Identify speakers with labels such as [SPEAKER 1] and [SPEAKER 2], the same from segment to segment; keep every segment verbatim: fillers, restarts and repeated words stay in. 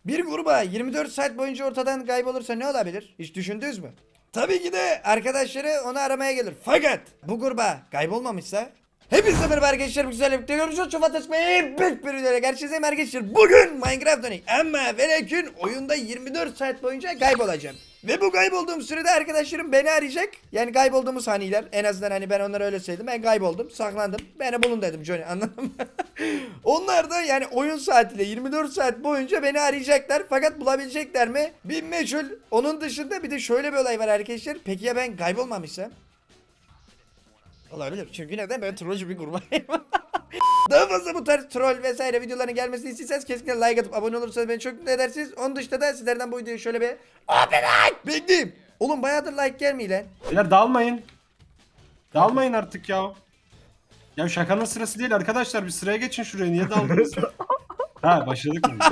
[SPEAKER 1] Bir gruba yirmi dört saat boyunca ortadan kaybolursa ne olabilir? Hiç düşündünüz mü? Tabii ki de arkadaşları onu aramaya gelir. Fakat bu gruba kaybolmamışsa hepinize merhaba arkadaşlar, bu güzel birlikte görüşürüz. Çok fantastik bir videoyla karşınızdayım arkadaşlar. Bugün Minecraft Dönük ama ve lakin oyunda yirmi dört saat boyunca kaybolacağım. Ve bu kaybolduğum sürede arkadaşlarım beni arayacak. Yani kaybolduğumuz saniyeler, en azından hani ben onlara öyle söyledim. Ben kayboldum, saklandım. Beni bulun dedim Johnny, anladın mı? Onlar da yani oyun saatiyle yirmi dört saat boyunca beni arayacaklar. Fakat bulabilecekler mi? Bir meçhul. Onun dışında bir de şöyle bir olay var arkadaşlar. Peki ya ben kaybolmamışsam? Olabilir. Çünkü neden? Ben trollcü bir kurbanıyım. Daha fazla bu tarz troll vesaire videoların gelmesini istiyorsanız kesinlikle like atıp abone olursanız beni çok mutlu edersiniz. Onun dışında da sizlerden bu videoyu şöyle bir abi like bekleyeyim. Oğlum bayağıdır like gelmiyor lan.
[SPEAKER 2] Beyler dağılmayın. Dağılmayın artık ya. Ya şakanın sırası değil arkadaşlar, bir sıraya geçin şuraya, niye daldınız? Ha, başladık mı?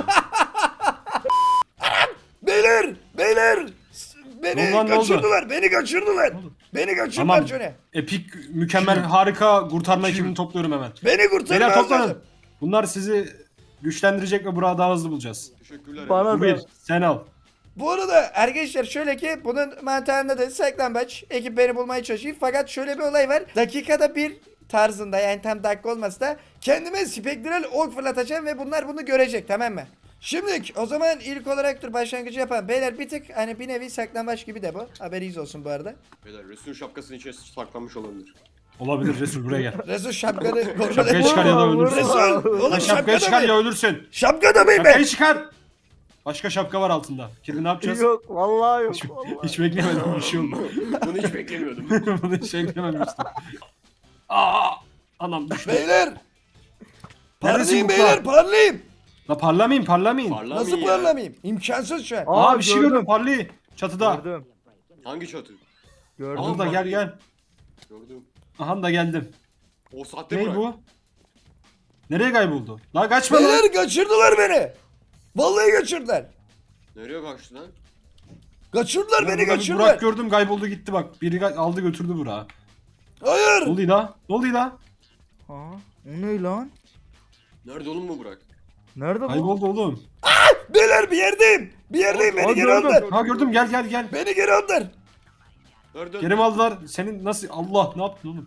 [SPEAKER 1] Beyler! Beyler! S- Beni
[SPEAKER 2] Ulan ne oldu?
[SPEAKER 1] kaçırdılar. Beni kaçırdılar. Beni kaçırdılar
[SPEAKER 2] Tamam.
[SPEAKER 1] şöyle.
[SPEAKER 2] Epik, mükemmel, harika kurtarma ekibini topluyorum hemen.
[SPEAKER 1] Beni kurtarın
[SPEAKER 2] Beyler
[SPEAKER 1] lazım.
[SPEAKER 2] toplanın. Bunlar sizi güçlendirecek ve Burak'ı daha hızlı bulacağız.
[SPEAKER 3] Teşekkürler.
[SPEAKER 4] Bana
[SPEAKER 2] Bu
[SPEAKER 4] da.
[SPEAKER 2] bir, sen al.
[SPEAKER 1] Bu arada arkadaşlar şöyle ki bunun mantığında da saklambaç ekip beni bulmaya çalışıyor. Fakat şöyle bir olay var. Dakikada bir tarzında, yani tam dakika olmasa da kendime spektral ok fırlatacağım ve bunlar bunu görecek, tamam mı? Şimdi o zaman ilk olarak dur başlangıcı yapan beyler, bir tık hani bir nevi saklambaç gibi de bu. Haberiniz olsun bu arada.
[SPEAKER 3] Beyler Resul'ün şapkasının içine saklanmış olabilir.
[SPEAKER 2] Olabilir, Resul buraya gel.
[SPEAKER 1] Resul şapkanı kontrol
[SPEAKER 2] Şapkayı
[SPEAKER 1] et.
[SPEAKER 2] çıkar ya da
[SPEAKER 4] Vurma,
[SPEAKER 2] ölürsün.
[SPEAKER 1] Resul oğlum
[SPEAKER 2] Lan şapkayı çıkar
[SPEAKER 1] şapkada
[SPEAKER 2] ya
[SPEAKER 1] mı?
[SPEAKER 2] ölürsün.
[SPEAKER 1] Şapkada mıyım ben?
[SPEAKER 2] Şapkayı çıkar. Başka şapka var altında. Kirli ne yapacağız?
[SPEAKER 4] Yok vallahi yok.
[SPEAKER 2] Hiç,
[SPEAKER 4] Vallahi.
[SPEAKER 2] hiç beklemedim bir şey oldu.
[SPEAKER 3] Bunu hiç beklemiyordum.
[SPEAKER 2] Bunu hiç beklememiştim. Aa, anam düştü.
[SPEAKER 1] Beyler!
[SPEAKER 2] Neredesin
[SPEAKER 1] Parlayayım
[SPEAKER 2] bu
[SPEAKER 1] beyler,
[SPEAKER 2] kral?
[SPEAKER 1] parlayayım.
[SPEAKER 2] La parlamayın, parlamayın.
[SPEAKER 3] Parlamayın
[SPEAKER 1] Nasıl
[SPEAKER 3] ya.
[SPEAKER 1] parlamayayım? İmkansız şu an.
[SPEAKER 4] Aa,
[SPEAKER 2] Aa, bir şey
[SPEAKER 4] gördüm.
[SPEAKER 2] gördüm, parlayı. Çatıda.
[SPEAKER 4] Gördüm.
[SPEAKER 3] Hangi çatı?
[SPEAKER 4] Gördüm.
[SPEAKER 2] Aha da gel gel.
[SPEAKER 3] Gördüm.
[SPEAKER 2] Aha da geldim.
[SPEAKER 3] O saatte
[SPEAKER 2] Ne
[SPEAKER 3] bırak.
[SPEAKER 2] bu? Nereye kayboldu? La kaçma lan.
[SPEAKER 1] Beyler kaçırdılar beni. Vallahi kaçırdılar.
[SPEAKER 3] Nereye kaçtı lan?
[SPEAKER 1] Kaçırdılar
[SPEAKER 2] Ya
[SPEAKER 1] beni,
[SPEAKER 2] burada bir
[SPEAKER 1] kaçırdılar.
[SPEAKER 2] Burak gördüm, kayboldu gitti bak. Biri ga- aldı götürdü Burak'ı.
[SPEAKER 1] Hayır.
[SPEAKER 2] Ne oluyor la? Ne oluyor la?
[SPEAKER 4] Aa, o ne lan?
[SPEAKER 3] Nerede oğlum bu Burak?
[SPEAKER 4] Nerede bu?
[SPEAKER 2] Kayboldu oğlum.
[SPEAKER 1] Beyler bir yerdeyim. Bir yerdeyim,
[SPEAKER 4] Aa,
[SPEAKER 1] beni geri
[SPEAKER 4] gördüm.
[SPEAKER 1] aldılar.
[SPEAKER 2] Ha gördüm, gel gel gel.
[SPEAKER 1] Beni geri aldılar.
[SPEAKER 3] Nerede?
[SPEAKER 2] Geri mi aldılar? Senin nasıl? Allah, ne yaptın oğlum?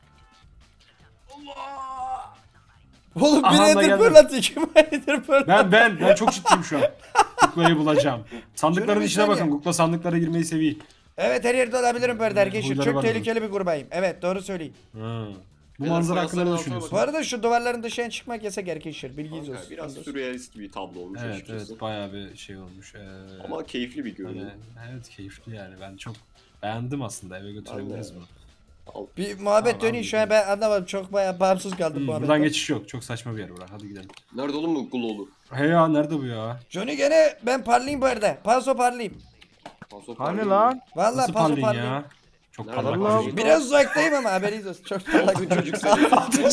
[SPEAKER 1] Oğlum
[SPEAKER 2] Aha,
[SPEAKER 1] bir
[SPEAKER 2] da
[SPEAKER 1] nedir
[SPEAKER 2] geldim.
[SPEAKER 1] fırlat, iki nedir fırlat.
[SPEAKER 2] Ben ben ben çok ciddiyim şu an. Kuklayı bulacağım. Sandıkların
[SPEAKER 1] Şöyle bir
[SPEAKER 2] içine
[SPEAKER 1] saniye.
[SPEAKER 2] bakın. Kukla sandıklara girmeyi seviyor.
[SPEAKER 1] Evet, her yerde olabilirim böyle arkadaşlar.
[SPEAKER 2] Huyları
[SPEAKER 1] Çok
[SPEAKER 2] var
[SPEAKER 1] tehlikeli bir grubayım. Evet, doğru söyleyeyim.
[SPEAKER 2] Ha. Bu
[SPEAKER 3] Beyler,
[SPEAKER 2] manzara hakkında
[SPEAKER 3] fayansların
[SPEAKER 2] ne
[SPEAKER 3] altına
[SPEAKER 2] düşünüyorsun?
[SPEAKER 1] Bu arada şu duvarların dışına çıkmak yasak arkadaşlar. Bilginiz
[SPEAKER 3] Kanka,
[SPEAKER 1] olsun.
[SPEAKER 3] biraz
[SPEAKER 1] Ondan sonra.
[SPEAKER 3] sürrealist bir tablo olmuş
[SPEAKER 2] Evet
[SPEAKER 3] açıkçası.
[SPEAKER 2] evet, bayağı bir şey olmuş. Ee,
[SPEAKER 3] Ama keyifli bir
[SPEAKER 2] hani,
[SPEAKER 3] görünüm.
[SPEAKER 2] evet keyifli yani, ben çok beğendim aslında, eve götürebiliriz
[SPEAKER 3] Ben de.
[SPEAKER 2] bunu.
[SPEAKER 3] Al.
[SPEAKER 1] Bir muhabbet
[SPEAKER 2] Tamam,
[SPEAKER 1] dönüyor şu an, ben anlamadım. Çok bayağı bağımsız kaldım
[SPEAKER 2] Hmm,
[SPEAKER 1] muhabbetten.
[SPEAKER 2] buradan geçiş yok, çok saçma bir yer bura, hadi gidelim.
[SPEAKER 3] Nerede oğlum bu Glow'lu?
[SPEAKER 2] He ya, nerede bu ya?
[SPEAKER 1] Johnny gene ben parlayayım bu arada. Paso parlayayım.
[SPEAKER 3] Paso
[SPEAKER 4] Hani
[SPEAKER 3] parlayayım
[SPEAKER 4] lan?
[SPEAKER 3] mı?
[SPEAKER 1] Vallahi
[SPEAKER 2] Nasıl
[SPEAKER 1] paso
[SPEAKER 2] parlayın
[SPEAKER 1] parlayayım.
[SPEAKER 2] ya? Çok
[SPEAKER 3] Nerede
[SPEAKER 2] parlak
[SPEAKER 4] Allah
[SPEAKER 2] bir şey.
[SPEAKER 1] Biraz uzaktayım ama haberiniz olsun. Çok parlak bir
[SPEAKER 3] Bu çocuk seni.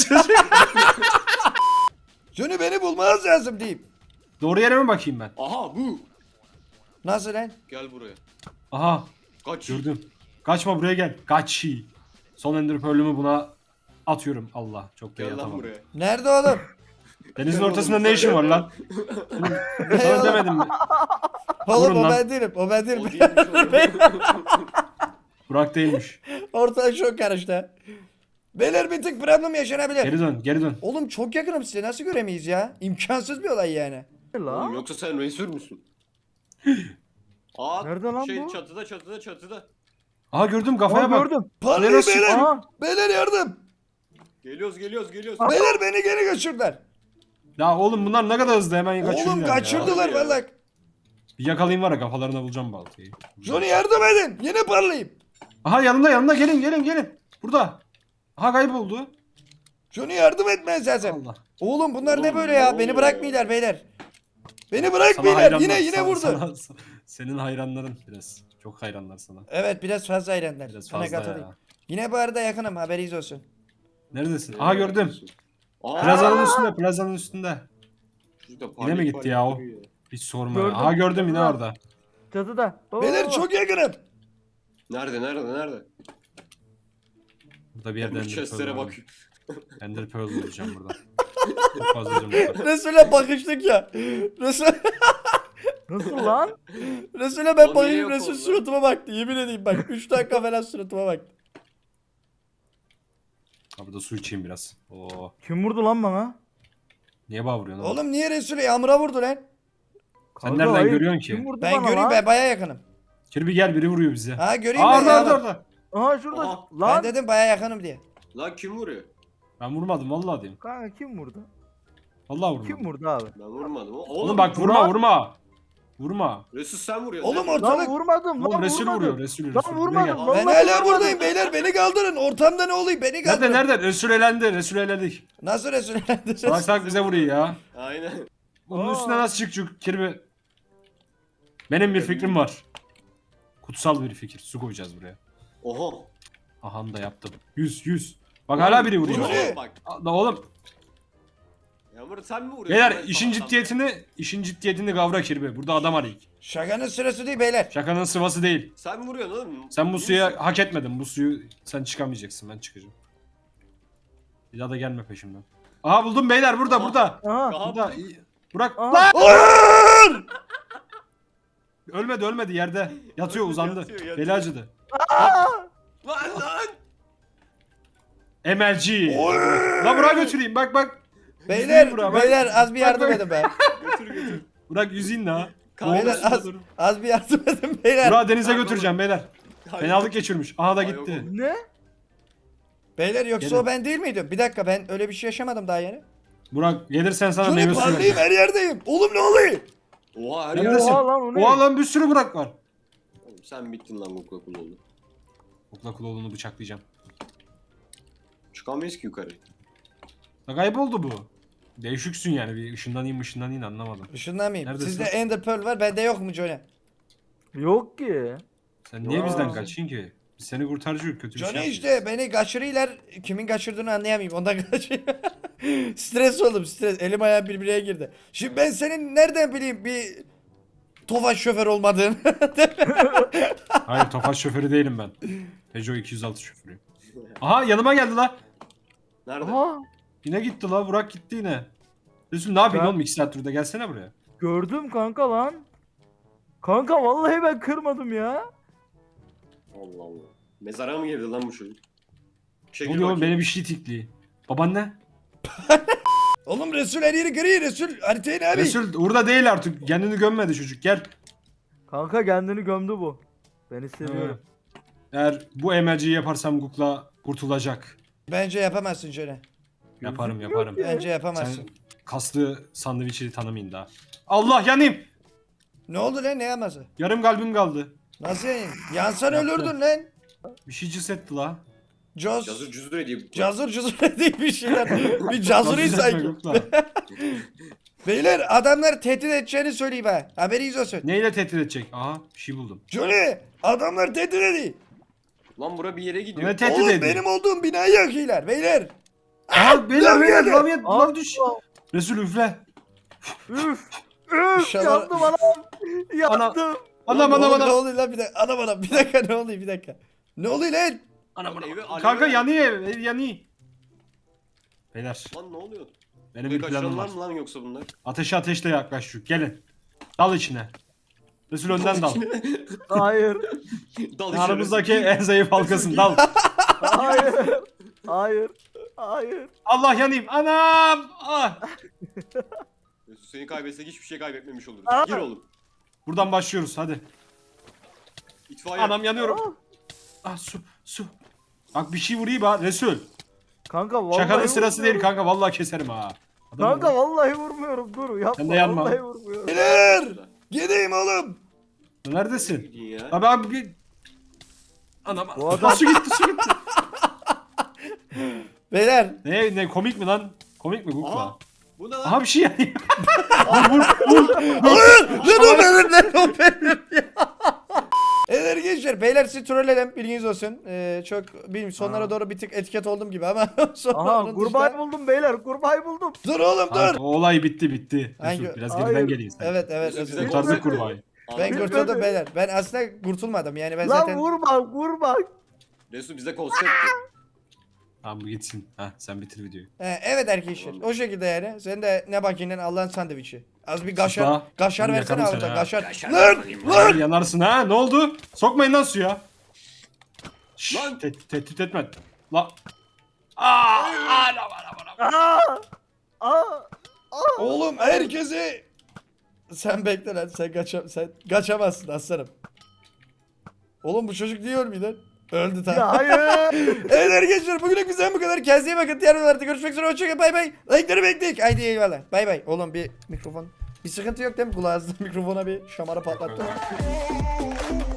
[SPEAKER 1] Johnny beni bulmanız lazım diyeyim.
[SPEAKER 2] Doğru yere mi bakayım ben?
[SPEAKER 3] Aha bu.
[SPEAKER 1] Nasıl lan?
[SPEAKER 3] Gel buraya.
[SPEAKER 2] Aha,
[SPEAKER 3] Kaç.
[SPEAKER 2] gördüm. Kaçma, buraya gel. Kaç. Son ender pearl'ümü buna atıyorum. Allah, çok da iyi
[SPEAKER 3] Gel lan
[SPEAKER 2] atamam.
[SPEAKER 3] buraya.
[SPEAKER 1] Nerede oğlum?
[SPEAKER 2] Denizin
[SPEAKER 3] Gel
[SPEAKER 2] ortasında
[SPEAKER 3] oğlum,
[SPEAKER 2] ne işin var lan?
[SPEAKER 1] Ne
[SPEAKER 2] Sana
[SPEAKER 1] oğlum?
[SPEAKER 2] demedim mi?
[SPEAKER 1] Oğlum
[SPEAKER 2] Vurun
[SPEAKER 1] o
[SPEAKER 2] lan.
[SPEAKER 1] ben değilim. O ben
[SPEAKER 3] O
[SPEAKER 1] değilim.
[SPEAKER 3] değilmiş oğlum.
[SPEAKER 2] Burak değilmiş.
[SPEAKER 1] Ortalık çok karıştı. Beyler bir tık problem yaşanabilir.
[SPEAKER 2] Geri dön, geri dön.
[SPEAKER 1] Oğlum çok yakınım size, nasıl göremeyiz ya? İmkansız bir olay yani.
[SPEAKER 4] Ne
[SPEAKER 3] Oğlum,
[SPEAKER 4] lan?
[SPEAKER 3] yoksa sen Resul müsün? Aa,
[SPEAKER 4] Nerede lan
[SPEAKER 3] şey,
[SPEAKER 4] bu?
[SPEAKER 3] çatıda çatıda çatıda.
[SPEAKER 2] Aha gördüm,
[SPEAKER 4] Aa,
[SPEAKER 2] kafaya bak.
[SPEAKER 4] gördüm.
[SPEAKER 1] Parlayın
[SPEAKER 2] Neresi?
[SPEAKER 1] beyler.
[SPEAKER 4] Aa.
[SPEAKER 1] Beyler yardım.
[SPEAKER 3] Geliyoruz geliyoruz geliyoruz.
[SPEAKER 1] Beyler beni geri kaçırdılar.
[SPEAKER 2] Ya oğlum bunlar ne kadar hızlı, hemen kaçıyorlar
[SPEAKER 1] Oğlum
[SPEAKER 2] ya.
[SPEAKER 1] kaçırdılar
[SPEAKER 3] Harbi ya.
[SPEAKER 1] vallahi.
[SPEAKER 2] Bir yakalayayım var ya, kafalarına bulacağım baltayı.
[SPEAKER 1] Johnny yardım edin. Yine parlayayım.
[SPEAKER 2] Aha yanında yanında, gelin gelin gelin. Burada. Aha kayboldu.
[SPEAKER 1] Johnny yardım etmez lazım.
[SPEAKER 2] Allah.
[SPEAKER 1] Oğlum bunlar
[SPEAKER 3] Oğlum,
[SPEAKER 1] ne böyle
[SPEAKER 3] ne
[SPEAKER 1] ya?
[SPEAKER 3] oluyor
[SPEAKER 1] Beni
[SPEAKER 3] ya?
[SPEAKER 1] bırakmıyorlar beyler. Beni
[SPEAKER 2] Sana
[SPEAKER 1] bırakmıyorlar.
[SPEAKER 2] hayranlar,
[SPEAKER 1] Yine yine
[SPEAKER 2] sana-
[SPEAKER 1] vurdu.
[SPEAKER 2] sana- senin hayranların biraz. Çok hayranlar sana.
[SPEAKER 1] Evet, biraz fazla hayranlar.
[SPEAKER 2] Biraz
[SPEAKER 1] Sana
[SPEAKER 2] fazla
[SPEAKER 1] katılayım.
[SPEAKER 2] ya.
[SPEAKER 1] Yine bu arada yakınım, haberiniz olsun.
[SPEAKER 2] Neredesin? Aha gördüm.
[SPEAKER 3] Aa,
[SPEAKER 2] Plazanın üstünde, plazanın üstünde.
[SPEAKER 3] çocuk da
[SPEAKER 2] Yine mi
[SPEAKER 3] parlayıp
[SPEAKER 2] gitti ya o?
[SPEAKER 3] parlayıp duruyor.
[SPEAKER 2] Hiç sorma
[SPEAKER 4] Gördüm.
[SPEAKER 2] ya. Aha gördüm yine
[SPEAKER 4] Gördüm.
[SPEAKER 2] orada.
[SPEAKER 4] Çatıda. Baba,
[SPEAKER 1] Beyler
[SPEAKER 4] baba.
[SPEAKER 1] çok yakınım.
[SPEAKER 3] Nerede nerede nerede?
[SPEAKER 2] Burada bir yerde
[SPEAKER 3] Bu
[SPEAKER 2] Ender Pearl
[SPEAKER 3] chestlere
[SPEAKER 2] var.
[SPEAKER 3] bak.
[SPEAKER 2] Ender Pearl bulacağım burada. Çok fazla canım var.
[SPEAKER 1] Resul'e bakıştık ya. Resul...
[SPEAKER 4] Nasıl lan?
[SPEAKER 1] Resul'e ben
[SPEAKER 3] O
[SPEAKER 1] bayılıp
[SPEAKER 3] niye yok
[SPEAKER 1] Resul
[SPEAKER 3] oldu?
[SPEAKER 1] suratıma baktı. Yemin edeyim bak. üç dakika falan suratıma baktı.
[SPEAKER 2] Abi da su içeyim biraz. Oo.
[SPEAKER 4] Kim vurdu lan bana?
[SPEAKER 2] Niye bağ vuruyorsun oğlum?
[SPEAKER 1] Oğlum niye Resul'e yağmura vurdu lan?
[SPEAKER 2] Sen nereden
[SPEAKER 4] hayır,
[SPEAKER 2] görüyorsun ki?
[SPEAKER 4] Kim vurdu
[SPEAKER 1] Ben
[SPEAKER 4] bana
[SPEAKER 1] göreyim
[SPEAKER 4] lan?
[SPEAKER 1] ben baya yakınım.
[SPEAKER 2] Kirby gel biri vuruyor bize.
[SPEAKER 1] Ha göreyim
[SPEAKER 2] Aa
[SPEAKER 1] ben
[SPEAKER 2] orada orada
[SPEAKER 1] yağmur.
[SPEAKER 2] orada.
[SPEAKER 4] Aha şurada.
[SPEAKER 3] Aha.
[SPEAKER 1] Ben
[SPEAKER 4] Lan.
[SPEAKER 1] dedim baya yakınım diye.
[SPEAKER 3] Lan kim vuruyor?
[SPEAKER 2] Ben vurmadım vallahi diyeyim.
[SPEAKER 4] Kanka kim vurdu?
[SPEAKER 2] Vallahi vurmadım.
[SPEAKER 4] Kim vurdu abi?
[SPEAKER 3] Ben vurmadım. Oğlum,
[SPEAKER 2] Oğlum bak vurma
[SPEAKER 4] Murat.
[SPEAKER 2] vurma. Vurma.
[SPEAKER 3] Resul sen vuruyorsun.
[SPEAKER 1] Oğlum
[SPEAKER 3] değil mi?
[SPEAKER 1] orta-
[SPEAKER 4] Lan
[SPEAKER 1] Ortalık-
[SPEAKER 4] vurmadım
[SPEAKER 2] Oğlum
[SPEAKER 4] lan
[SPEAKER 2] Resul
[SPEAKER 4] vurmadım.
[SPEAKER 2] vuruyor Resul.
[SPEAKER 4] Lan
[SPEAKER 2] Resul. Buraya
[SPEAKER 4] vurmadım
[SPEAKER 2] gel.
[SPEAKER 4] lan.
[SPEAKER 1] Ben
[SPEAKER 4] Vallahi
[SPEAKER 1] hala
[SPEAKER 4] vurmadım.
[SPEAKER 1] buradayım beyler beni kaldırın. Ortamda ne oluyor beni kaldırın.
[SPEAKER 2] Nerede nerede? Resul elendi. Resul eledik.
[SPEAKER 1] Nasıl Resul?
[SPEAKER 2] Salak salak bize vuruyor ya.
[SPEAKER 3] Aynen.
[SPEAKER 2] Onun
[SPEAKER 4] Aa.
[SPEAKER 2] üstüne nasıl çıkacak Kirby? Benim bir fikrim var. Kutsal bir fikir. Su koyacağız buraya.
[SPEAKER 3] Oha.
[SPEAKER 2] Aha da yaptım. yüz yüz. Bak hala biri vuruyor.
[SPEAKER 1] Yürü.
[SPEAKER 3] Oğlum bak.
[SPEAKER 2] Aa, Da oğlum.
[SPEAKER 3] Yağmur sen mi vuruyorsun?
[SPEAKER 2] Beyler
[SPEAKER 3] Ben
[SPEAKER 2] işin
[SPEAKER 3] sabahtan
[SPEAKER 2] ciddiyetini işin ciddiyetini kavra Kirby. Burada adam arayık.
[SPEAKER 1] Şakanın sırası değil beyler.
[SPEAKER 2] Şakanın sıvası değil.
[SPEAKER 3] beri. Sen mi vuruyorsun oğlum?
[SPEAKER 2] Sen bu
[SPEAKER 3] İyi
[SPEAKER 2] suya
[SPEAKER 3] misin?
[SPEAKER 2] hak etmedin. Bu suyu sen çıkamayacaksın. Ben çıkacağım. Bir daha da gelme peşimden. Aha buldum beyler burada
[SPEAKER 3] Aha.
[SPEAKER 2] burada.
[SPEAKER 4] Aha.
[SPEAKER 3] Aha.
[SPEAKER 2] Burada. İyi. Burak.
[SPEAKER 4] Aha.
[SPEAKER 2] Lan!
[SPEAKER 1] Hayır!
[SPEAKER 2] Ölmedi ölmedi yerde. Yatıyor
[SPEAKER 3] Ölmedi,
[SPEAKER 2] uzandı.
[SPEAKER 3] yatıyor, yatıyor.
[SPEAKER 2] Beli acıdı.
[SPEAKER 3] Lan lan.
[SPEAKER 2] M L G.
[SPEAKER 1] Oy!
[SPEAKER 2] La Burak'a götüreyim bak bak.
[SPEAKER 1] Beyler,
[SPEAKER 2] Yüzeyim Burak'a, bak.
[SPEAKER 1] beyler az bir yardım
[SPEAKER 2] Bak, bak.
[SPEAKER 1] edin be.
[SPEAKER 3] Götür götür.
[SPEAKER 2] Burak yüzeyim la.
[SPEAKER 3] Kanka,
[SPEAKER 1] Beyler az, az bir yardım edin beyler.
[SPEAKER 2] Burak'ı denize
[SPEAKER 3] Kanka,
[SPEAKER 2] götüreceğim beyler.
[SPEAKER 3] Hayır.
[SPEAKER 2] Fenalık geçirmiş. Aha da
[SPEAKER 3] Ay,
[SPEAKER 2] gitti.
[SPEAKER 3] yok
[SPEAKER 4] Ne?
[SPEAKER 1] Beyler yoksa
[SPEAKER 2] Gelin.
[SPEAKER 1] o ben değil miydim? Bir dakika ben öyle bir şey yaşamadım daha yeni.
[SPEAKER 2] Burak gelirsen sana
[SPEAKER 1] Şunu
[SPEAKER 2] meyve suyu
[SPEAKER 1] parlayayım
[SPEAKER 2] vereceğim.
[SPEAKER 1] her yerdeyim. Oğlum ne oluyor?
[SPEAKER 3] Oha her
[SPEAKER 2] Neredesin?
[SPEAKER 3] yer.
[SPEAKER 4] Oha lan o ne?
[SPEAKER 2] Oha lan bir sürü Burak var.
[SPEAKER 3] Oğlum sen bittin lan Google Kul oldu.
[SPEAKER 2] Okla Kuloğlu'nu bıçaklayacağım.
[SPEAKER 3] Çıkamayız ki yukarı.
[SPEAKER 2] La kayboldu bu. Değişiksin yani bir ışınlanayım ışınlanayım anlamadım.
[SPEAKER 1] Işınlamayayım.
[SPEAKER 2] Neredesin?
[SPEAKER 1] Sizde Ender Pearl var bende yok mu Johnny?
[SPEAKER 4] Yok ki.
[SPEAKER 2] Sen niye
[SPEAKER 4] Ya.
[SPEAKER 2] bizden kaçıyorsun ki? Biz seni kurtarıcıyız kötü bir şey
[SPEAKER 1] Johnny
[SPEAKER 2] yapmayız.
[SPEAKER 1] işte beni kaçırıyorlar. Kimin kaçırdığını anlayamayayım. Ondan kaçıyor. Stres oldum stres. Elim ayağım birbirine girdi. Şimdi ben senin nereden bileyim bir Tofaş şoför olmadığını.
[SPEAKER 2] Hayır Tofaş şoförü değilim ben. Peugeot iki yüz altı şoförüyüm. Aha yanıma geldi la.
[SPEAKER 3] Nerede?
[SPEAKER 4] Aha.
[SPEAKER 2] Yine gitti la Burak gitti yine. Resul ne yapıyorsun
[SPEAKER 4] Ben-
[SPEAKER 2] oğlum iki saat burada gelsene buraya.
[SPEAKER 4] Gördüm kanka lan. Kanka vallahi ben kırmadım ya.
[SPEAKER 3] Allah Allah. Mezara mı girdi lan bu çocuk?
[SPEAKER 2] Ne
[SPEAKER 3] Çekil
[SPEAKER 2] oluyor oğlum
[SPEAKER 3] bakayım.
[SPEAKER 2] beni bir şey tikli. Baban ne?
[SPEAKER 1] Oğlum Resul her yeri gri. Resul haritayı ne abi?
[SPEAKER 2] Resul burada değil artık kendini gömmedi çocuk gel.
[SPEAKER 4] Kanka kendini gömdü bu. Beni seviyorum.
[SPEAKER 2] Eğer bu M L G'yi yaparsam Google'a kurtulacak.
[SPEAKER 1] Bence yapamazsın Johnny.
[SPEAKER 2] Yaparım
[SPEAKER 4] Gözükmüyor
[SPEAKER 2] yaparım.
[SPEAKER 4] ki.
[SPEAKER 1] Bence
[SPEAKER 2] Sen
[SPEAKER 1] yapamazsın.
[SPEAKER 2] kaslı sandviçi tanımayın daha. Allah yanayım.
[SPEAKER 1] Ne oldu lan ne yapması?
[SPEAKER 2] Yarım kalbim kaldı.
[SPEAKER 1] Nasıl yanayım? Yansan
[SPEAKER 2] Yaptı.
[SPEAKER 1] ölürdün lan.
[SPEAKER 2] Bir şey cız etti la.
[SPEAKER 1] Caz.
[SPEAKER 3] Cazır cüzdür ediyor.
[SPEAKER 1] Cazır cuzur değil bir şeyler. Bir cazırıyız
[SPEAKER 2] Cız etme
[SPEAKER 1] sanki.
[SPEAKER 2] Google'a.
[SPEAKER 1] Beyler adamlar tehdit edeceğini söyleyeyim ha. Haberiniz olsun.
[SPEAKER 2] Neyle tehdit edecek? Aha bir şey buldum.
[SPEAKER 1] Johnny adamlar tehdit ediyor.
[SPEAKER 3] Lan bura bir yere gidiyor.
[SPEAKER 2] Ne tehdit
[SPEAKER 1] Oğlum
[SPEAKER 2] ediyor?
[SPEAKER 1] benim olduğum binayı yakıyorlar beyler.
[SPEAKER 2] Aha beyler
[SPEAKER 1] Lav
[SPEAKER 2] beyler
[SPEAKER 1] geldi.
[SPEAKER 2] lav yed- lav
[SPEAKER 4] Allah.
[SPEAKER 2] düş. Resul üfle.
[SPEAKER 4] Üf. Üf.
[SPEAKER 1] İnşallah-
[SPEAKER 4] Yandım anam. Yandım.
[SPEAKER 2] Anam
[SPEAKER 1] Ne
[SPEAKER 2] anam
[SPEAKER 1] oluyor, Ne
[SPEAKER 2] anam.
[SPEAKER 1] oluyor lan bir dakika. Anam anam bir dakika ne oluyor bir dakika. Ne oluyor lan?
[SPEAKER 2] Anam
[SPEAKER 3] Lan
[SPEAKER 2] anam.
[SPEAKER 3] evi alev
[SPEAKER 2] Kanka
[SPEAKER 3] ver.
[SPEAKER 2] yanıyor ev, ev yanıyor. Beyler
[SPEAKER 3] Lan ne oluyor?
[SPEAKER 2] benim
[SPEAKER 3] Bir
[SPEAKER 2] bir planım var.
[SPEAKER 3] kaçıranlar mı lan yoksa bunlar?
[SPEAKER 2] Ateşe ateşle yaklaştık. Gelin. Dal içine. Resul önden dal.
[SPEAKER 4] Hayır.
[SPEAKER 3] Dal içeri.
[SPEAKER 2] Aramızdaki en zayıf halkasın dal.
[SPEAKER 4] Hayır. Hayır. Hayır.
[SPEAKER 2] Allah yanayım. Anam. Ah.
[SPEAKER 3] Mesut seni kaybetsek hiçbir şey kaybetmemiş oluruz.
[SPEAKER 4] Aa.
[SPEAKER 3] Gir oğlum.
[SPEAKER 2] Buradan başlıyoruz hadi.
[SPEAKER 3] İtfaiye.
[SPEAKER 2] Anam yanıyorum. Ah su su. Bak bir şey vurayım ha Resul.
[SPEAKER 4] Kanka vallahi
[SPEAKER 2] Şakanın sırası değil
[SPEAKER 4] vurmuyorum.
[SPEAKER 2] kanka vallahi keserim ha. Adam
[SPEAKER 4] Kanka
[SPEAKER 2] vur.
[SPEAKER 4] vallahi vurmuyorum. Dur yapma.
[SPEAKER 2] Sen de yanma.
[SPEAKER 4] Vallahi vurmuyorum.
[SPEAKER 1] Beyler gideyim oğlum.
[SPEAKER 2] Neredesin?
[SPEAKER 3] Gidin ya.
[SPEAKER 2] Abi abi bir... Anam.
[SPEAKER 4] Bu adam-
[SPEAKER 2] Su gitti su gitti.
[SPEAKER 1] Beyler.
[SPEAKER 2] Ne ne komik mi lan? Komik mi
[SPEAKER 3] Aha.
[SPEAKER 2] Google'a?
[SPEAKER 3] Bu ne lan?
[SPEAKER 2] Aha bir şey yanıyor. vur vur vur.
[SPEAKER 1] Hayır lan o benim lan o benim ya. Evet gençler beyler sizi trolledim bilginiz olsun. Ee, çok bilmiyorum sonlara
[SPEAKER 2] Aa.
[SPEAKER 1] doğru bir tık etiket oldum gibi ama sonra
[SPEAKER 4] Aha
[SPEAKER 1] onun
[SPEAKER 4] kurbağayı
[SPEAKER 1] dışında-
[SPEAKER 4] buldum beyler. Kurbağayı buldum.
[SPEAKER 1] Dur oğlum
[SPEAKER 2] Abi,
[SPEAKER 1] dur.
[SPEAKER 2] o olay bitti bitti.
[SPEAKER 1] Hangi-
[SPEAKER 2] Resul, biraz
[SPEAKER 4] Hayır.
[SPEAKER 2] geriden geleyim sen.
[SPEAKER 1] Evet evet
[SPEAKER 3] Bize-
[SPEAKER 1] özür
[SPEAKER 3] bize
[SPEAKER 1] dilerim.
[SPEAKER 2] Kurtardık kurbağayı.
[SPEAKER 1] Ben
[SPEAKER 3] Anladım.
[SPEAKER 1] kurtuldum beyler. Ben aslında kurtulmadım yani ben
[SPEAKER 4] Lan
[SPEAKER 1] zaten.
[SPEAKER 4] vurma vurma.
[SPEAKER 3] Resul bize konsept.
[SPEAKER 2] Tamam bu gitsin. Ha sen bitir videoyu.
[SPEAKER 1] He, evet arkadaşlar o şekilde yani. Sen de ne bakayım lan Allah'ın sandviçi. Az bir gaşar,
[SPEAKER 2] Sus la.
[SPEAKER 1] gaşar
[SPEAKER 2] Oğlum
[SPEAKER 1] versene
[SPEAKER 2] yakarım
[SPEAKER 1] orada.
[SPEAKER 2] seni ha.
[SPEAKER 1] Gaşar. Lan!
[SPEAKER 2] Ay,
[SPEAKER 1] Lan!
[SPEAKER 2] yanarsın ha. Ne oldu? Sokmayın lan suya. Şşş,
[SPEAKER 3] Lan!
[SPEAKER 2] te- tehdit etme. La. Aa, anam, anam, anam.
[SPEAKER 4] Aa! Aa!
[SPEAKER 1] Oğlum herkesi... Sen bekle lan sen, kaça... sen kaçamazsın aslanım. Oğlum bu çocuk niye ölmüyor lan? Öldü tamam.
[SPEAKER 4] Ya hayır.
[SPEAKER 1] Evet arkadaşlar bugünlük bizden bu kadar. Kendinize iyi bakın. Diğer videolarda görüşmek üzere. Hoşçakalın. Bay bay. Like'ları bekledik. Haydi eyvallah. Bay bay. Oğlum bir mikrofon. Bir sıkıntı yok değil mi? Kulağınızda mikrofona bir şamara patlattı.